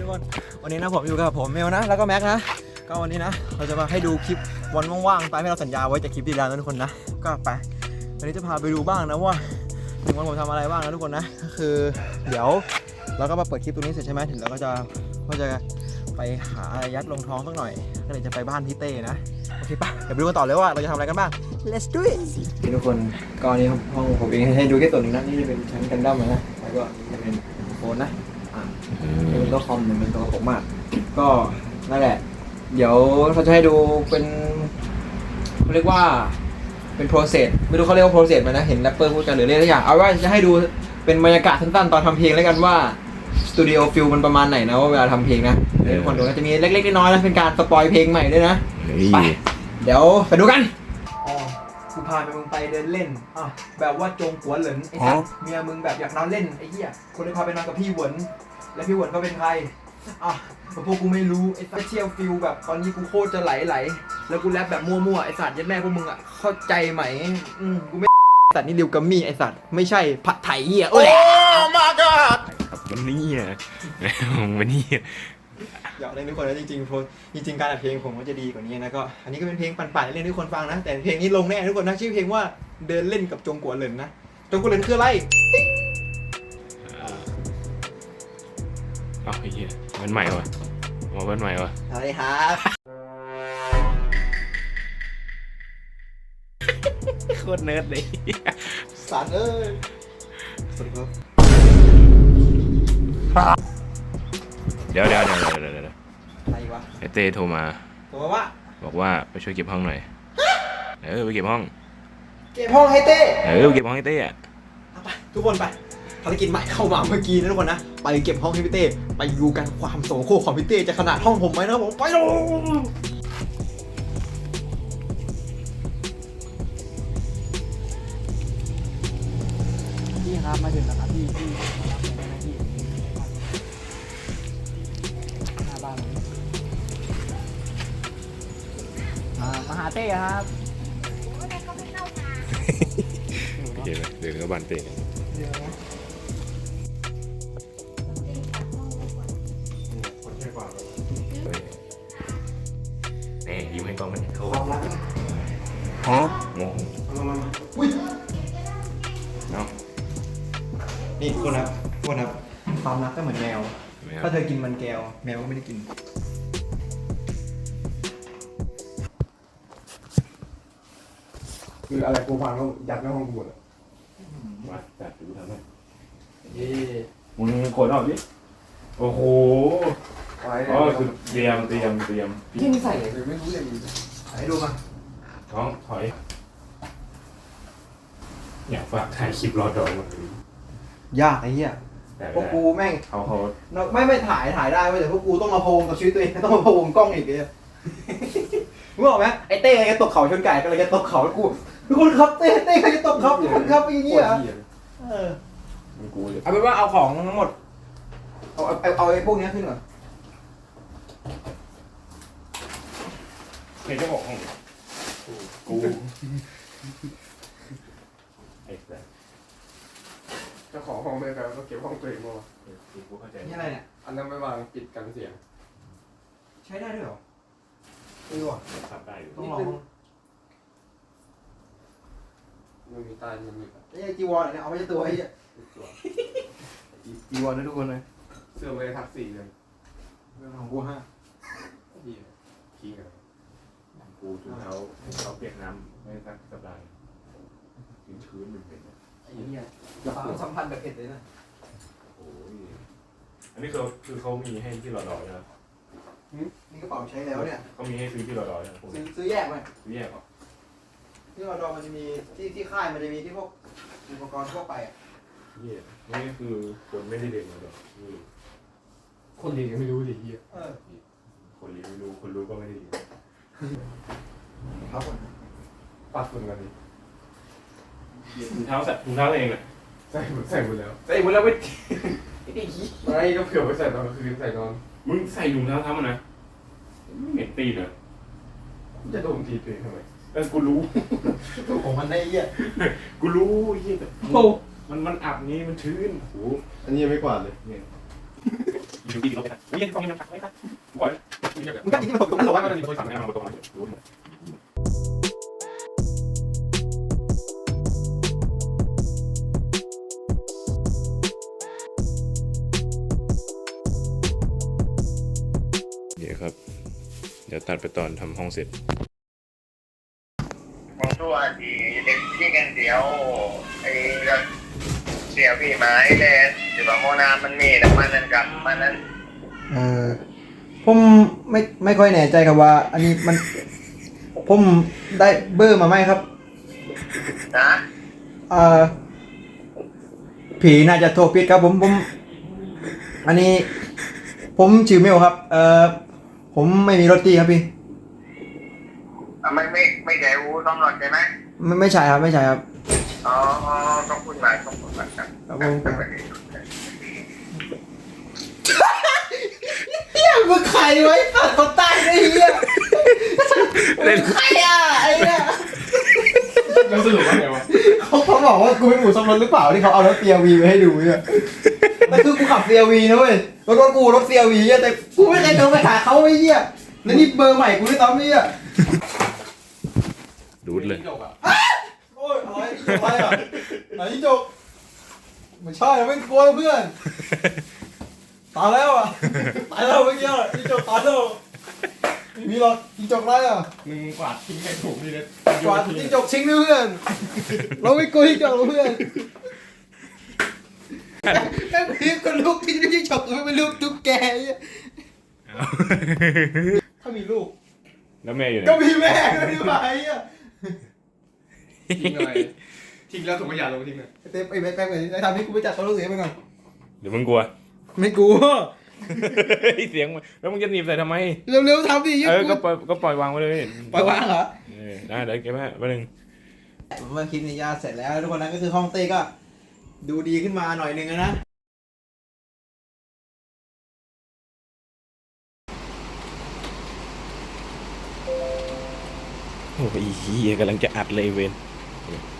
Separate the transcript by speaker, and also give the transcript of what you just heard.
Speaker 1: กคนวันนี้นะผมอยู่กับผมเมลนะแล้วก็แม็กนะก็วันนี้นะเราจะมาให้ดูคลิปวันว่างๆตามที่เราสัญญาไว้จากคลิปที่แล้วนะทุกคนนะก็ไปวันนี้จะพาไปดูบ้างนะว่าถึงวันผมทำอะไรบ้างนะทุกคนนะก็คือเดี๋ยวเราก็มาเปิดคลิปตรงนี้เสร็จใช่ไหมถึงเราก็จะไปหาอะไรยัดลงท้องสักหน่อยก็เลยจะไปบ้านพี่เต้นะโอเคปะเดี๋ยวไปดูกันต่อเลยว่าเราจะทำอะไรกันบ้าง let's do it ทุกคนก็นี้ห้องผมเองให้ดูแค่ส่วนหนึ่งนะนี่จะเป็นชั้นกันดั้มนะแล้วก็จะเป็นโฟนนะเป็นโต๊ะคอมเป็นโต๊ะผมมากก็นั่นแหละเดี๋ยวเราจะให้ดูเป็นเขาเรียกว่าเป็น process ไม่รู้เขาเรียกว่า process ไหมนะเห็นแรปเปอร์พูดกันหรือเรียกอะไรอย่างเอาว่าจะให้ดูเป็นบรรยากาศสั้นๆตอนทำเพลงแล้วกันว่าสตูดิโอฟิลมันประมาณไหนนะว่าเวลาทำเพลงนะเดี๋ยวคนดูก็จะมีเล็กๆน้อยๆนะเป็นการสปอยเพลงใหม่ด้วยนะไปเดี๋ยวไปดูกันอ๋อกูพามึงไปเดินเล่นอ่ะแบบว่าจงกัวเหลินไอ้สัสเมียมึงแบบอยากนอนเล่นไอ้เหี้ยคนเลยพาไปนอนกับพี่หวนและพี่หวนเขาเป็นใครอ่ะพวกกูไม่รู้ไอ้สัสเชียลฟิลแบบตอนนี้กูโคตรจะไหลแล้วกูแรปแบบมั่วๆไอ้สัสยัดแม่พวกมึงอ่ะเข้าใจไหมกูไม่สัตว์นี่ริวกัมมี่ไอ้สัตว์ไม่ใช่ผัดไถเหี้ยโอ้ my god
Speaker 2: ครับวันนี้วันนี้
Speaker 1: อยากเล่นทุกคนนะจริงการอัดเพลงผมก็จะดีกว่านี้นะก็อันนี้ก็เป็นเพลงปั่นๆเล่นให้ทุกคนฟังนะแต่เพลงนี้ลงแน่ทุกคนนะชื่อเพลงว่าเดินเล่นกับจงกัวเหลินนะจงกัวเหลินคืออะไร
Speaker 2: ไอ้เหี้ยมันใหม่วะมันใหม่วะ
Speaker 1: อะไรครับ
Speaker 2: โคตรเนิร์ดเลย
Speaker 1: สารเอ้ยสวัสดีครับ
Speaker 2: เดี๋ยว
Speaker 1: อะไรวะ
Speaker 2: ไอเต้โทรมาบอกว่าไปช่วยเก็บห้องหน่อยไปเก็บห้อง
Speaker 1: ให้เต้
Speaker 2: ไปเก็บห้องให้เต้อะ
Speaker 1: ไปทุกคนไปภารกิจใหม่เข้ามาเมื่อกี้นะทุกคนนะไปเก็บห้องให้พี่เต้ไปดูกันความโสโครกของพี่เต้จะขนาดห้องผมไหมนะผมไปลงพี่ครับมาถึงแล้วครับพี่มารับเลยนะพี่หน้าบ้านมาหาเต้ครับ
Speaker 2: เดี๋ยวก็บันเต้นี่ยิ้มให้กล้องมันโทรฮะงง
Speaker 1: อุ้ย
Speaker 2: เนาะ
Speaker 1: นี่คนครับความรักก็เหมือนแมวถ้าเธอกินมันแก้วแมวก็ไม่ได้กิน
Speaker 3: คืออะไรกูฟังแล้วยัดในห้องกูหมดเลย
Speaker 2: มาจัดดูทำไม
Speaker 3: มึงขนออกดิ
Speaker 2: โอ้โหคือเตรียม
Speaker 3: พี่นี่ใส่เลยไม่รู้เลย
Speaker 1: ให้ดูมา
Speaker 2: ท้องถอยอยากฝากถ่ายคลิปรอดองมัน
Speaker 1: ยากไอ้เหี้ยพวกกูแม่ง
Speaker 2: เขา
Speaker 1: ไม่ถ่ายได้เว้ยแต่พวกกูต้องมาพะวงกับชีวิตตัวเองต้องมาพะวงกล้องอีกเลยมึงบอกไหมไอ้เต้ก็ตกเขาชนไก่ก็เลยจะตกเขากูทุกคนครับเต้เขาจะตกเขาทุกคนครับอย่างเงี้ย
Speaker 3: กูเลย
Speaker 1: เอาเป็นว่าเอาของทั้งหมดเอาไอ้พวกนี้ขึ้นก่อน
Speaker 2: ใครจะบอกห้องกูไอ้แซ่
Speaker 3: เจ้าของห้องไม่แบบก็เก็บห้องตัวเองมา
Speaker 1: นี่อะไรเนี่ย
Speaker 3: อันนั้นไม่วางปิดกันเสียง
Speaker 1: ใช้ได้ด้วยเหรอไม่รู้อ่ะ
Speaker 2: ทำได้อยู่
Speaker 1: ต้องลอง
Speaker 3: มันมีตามันมี
Speaker 1: ไอ้จีวรเนี่ยเอาไม่ใช่ตัวไอ้จีวรนะทุกคนเลย
Speaker 3: เสื้อเลยทัก4เลย
Speaker 1: เรื่องของกู5
Speaker 3: ขี้กัน
Speaker 2: กูถุงเท้าเปียกน้ำไม่สักสัปดาห์ชื้นเป็น
Speaker 1: ไอ้เหี้ยความสัมพันธ์แบบเอ็ดเลยนะ
Speaker 2: โอ้ยอันนี้คือเขามีให้ที่รอดใช่ไหม
Speaker 1: นี่กระเป๋าใช้แล้วเนี่ย
Speaker 2: เขามีให้ซื้อที่รอดใช่ไหม
Speaker 1: ซื้อแยกไหม
Speaker 2: ซื้อแยกเหรอ
Speaker 1: ที่รอดมันจะมีที่ค่ายมันจะมีที่พวกอุปกรณ์ทั่วไปอ่ะ
Speaker 2: นี่คือคนไม่ได้เรียนมาหรอก
Speaker 3: คนเรียนยังไม่รู้ดิเฮีย
Speaker 2: คนเรียนไม่รู้คนรู้ก็ไม่ได้เรียน
Speaker 1: ครับผม
Speaker 3: ปัดฝุ่นกันดิ
Speaker 2: ถุงเท้าเองอ่ะ
Speaker 3: ใส่หมดแล้ว
Speaker 2: ไม่
Speaker 3: ไม่ก็เผื่อไปใส่ตอนกลางคืนใส่นอน
Speaker 2: มึงใส่ถุงเท้ามันนะไม่เหม็นตีนเหรอ
Speaker 3: จะโดนตีตัวเองทำไม
Speaker 2: กูรู้
Speaker 1: ของมันได้เหี้ย
Speaker 2: กูรู้เหี้ยแต่มันอับนี้มันชื้นโอ้
Speaker 3: อันนี้ยังไม่กวาดเลย
Speaker 2: เนี่ยดูดีลงไปนะอุ้ยยังต้องยังตักไม่ตักก่อน
Speaker 1: มึงก็จริงๆมันตกตรงนั้นหรอวะ
Speaker 2: มันมีคนสั่งให้มาตรงนั้นเดี๋ยวครับเดี๋ยวตัดไปตอนทำห้องเสร็จ
Speaker 4: ผมตัวที่เด็กที่กันเดียวไอ้เสียพี่ไม้เลยถือว่าโมนามันมีแต่มันนั้นกับมันนั้น
Speaker 1: ผมไม่ค่อยแน่ใจครับว่า อันนี้มันผมได้เบอร์มาไหมครับ
Speaker 4: นะ
Speaker 1: ผีน่าจะโทรผิดครับผมอันนี้ ผมชื่อเมลครับ ผมไม่มีรถตีครับพี่
Speaker 4: ไม่ใช่อูตำรวจใช่ไหม
Speaker 1: ไม่ใช่ครับไม่ใช่ครับ
Speaker 4: อ๋อต้องคุณมาต้องคุณมาครับ
Speaker 1: ครับผมเฮียมึงใครไว้ตัดคนใต้ได้เฮียใครอ่ะไอ้เนี่ย
Speaker 3: แล้วสรุปว่าไงวะ
Speaker 1: เขาบอกว่ากูเป็นหมูซ่อมรถหรือเปล่าที่เขาเอารถ CRV ไปให้ดูเนี่ยแต่คือกูขับ CRV นะเว้ยรถกูรถ CRV เนี่ยแต่กูไม่เคยโทรไปหาเขาไอ้เหี้ยแล้วนี่เบอร์ใหม่กูด้วยซ้ำเนี่ย
Speaker 2: ดูดเลย
Speaker 1: โอ้ยอะไรอ่ะไหนที่จกไม่ใช่ไม่กลัวเพื่อนตายแล้วอ่ะตายแล้วเมื่อกี้ที่จกตายแล้วไม่มีหรอกที่จกไรอ่ะ
Speaker 3: มึงกวาดทิ้งให้ถูกนี่เลย
Speaker 1: กว่าที่จกชิงด้วยเพื่อนเราไม่กลัวที่จกเพื่อนแม่งพีคนลูกที่จกไม่เป็นลูกตุ๊กแกถ้ามีลูก
Speaker 2: แล้วแม่อยู่ไหน
Speaker 1: ก็มีแม่ด้วยดีกว่าไอ้เหี้ย
Speaker 3: ทิ้งอะไรทิ้งแล้วถุงขยะลงทิ้งเลย
Speaker 1: เต้ไอ้แม่งเลยทำให้กูไปจัดตัวลูกเสียไปก่อน
Speaker 2: เดี๋ยวมึงกลัว
Speaker 1: ไม่กลัว
Speaker 2: เสียงมันแล้วมึงจะหนีบใส่ทำไม
Speaker 1: เร็วๆทำดิ
Speaker 2: ก็ปล่อยวางไว้เลย
Speaker 1: ปล่อยวางเหรอ
Speaker 2: ได้เดี๋ยวเก็บไว้แป๊บนึง
Speaker 1: เมื่อคลิปนี้ย่าเสร็จแล้วทุกคนนั้นก็คือห้องเต้ก็ดูดีขึ้นมาหน่อยนึงนะ
Speaker 2: โอ้ยเหี้ยกำลังจะอัดเลยเวน